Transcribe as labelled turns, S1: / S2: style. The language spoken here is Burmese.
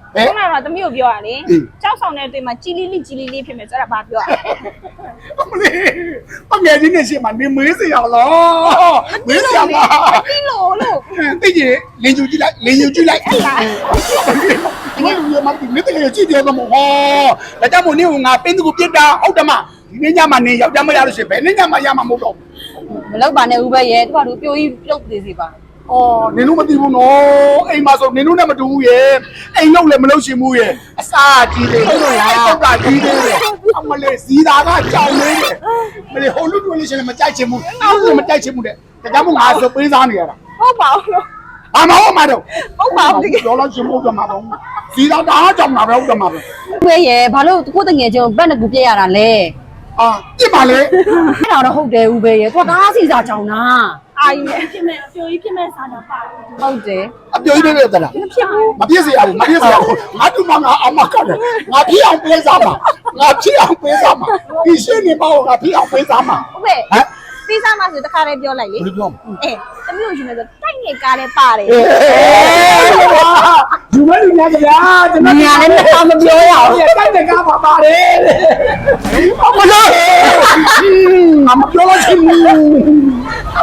S1: ခုနကသမီးကိုပြောရလေကြောက်ဆောင်တဲ့တွေ့မှာជីလီလေးဖြစ်မယ်ဆိုတော့ဘာပြောရ
S2: မလေးအငယ်ချင်းနဲ့ရှင်းမှာနေမေးစရာလားမေးစရာလား
S1: တိလို့
S2: သိကြီးလင်းယူကြည့်လိုက်အဲ့လားဒီလိုမျိုးမှမသိကြည့်တယ်တော့မဟုတ်ဒါကြောင့်မို့နေကငါပင်းသူကိုပြစ်တာဟုတ်တယ်မဒီနေ့ညမှာနေယောက်ျားမရလို့ရှိရင်ဘယ်နေ့ညမှာရမှာမဟုတ်တော့
S3: မလောက်ပါနဲ့ဦးပဲရဲ့သူကသူပြိုကြီးပြုတ်သေးစီပါ
S2: အော်နင်တို့မသိဘူးနော်အိမ်မှာဆိုနင်တို့နဲ့မတူဘူးရဲ့အိမ်လောက်လည်းမလုပ်ရှင်ဘူးရဲ့အစားကြီးတယ်ဟုတ်လားတောက်ကကြီးတယ်အမလေးစီတာကကြောင်လေးတယ်မလေးဟိုလူတို့လေးရှင်လည်းမကြိုက်ချင်ဘူးအောက်လည်းမကြိုက်ချင်ဘူးတဲ့ဒါကြောင့်မို့ငါဆိုပေးစားနေရတာ
S1: ဟုတ်ပါဘူး
S2: ဘာမဟုတ်မှာတော့
S1: ဟုတ်ပါဘူး
S2: ပြောလို့ရှင်မို့ကမှာတော့စီတာတအားကြောင်တာပဲဟုတ်တယ်မှာပဲ
S3: ဦးပဲရဲ့ဘာလို့ကိုတငယ်ချင်းကိုဘက်နဲ့ကူပြည့်ရတာလဲ
S2: အာပြစ်ပါလေ
S3: အဲ့ဒါတော့ဟုတ်တယ်ဦးပဲရဲ့ကိုတအားစီစာကြောင်တာ
S1: အာကြီးနဲ့ဖြစ်မဲ့အပြိုကြီးဖြစ်မဲ့စားတာပါ
S3: ဟုတ်တယ်
S2: အပြိုကြီးပဲတလားမပြစ်စေရဘူးငါတူမငါအမကတယ်ငါဖြစ်အောင်ပေးစားမှာငါဖြစ်အောင်ပေးစားမှာဒီရှင်းနေပါဦးငါဖြစ်အောင်ပေးစားမှာ
S1: ဟုတ်ပဲပြီးစားမှဆိုတခါလေးပြောလိုက်လေ
S2: ဘယ်လိုပြော
S1: သမီးကိုရှင်နေဆိုတိုက်ငယ်ကားလဲပါတယ်
S2: ဒီမဲ့လူများကြဗျာကျွန်တော်
S3: ညာလည်းမပြောရအောင်
S2: တိုက်တဲ့ကားပါပါတယ်အမလို့ငါမပြောလို့ရှိဘူး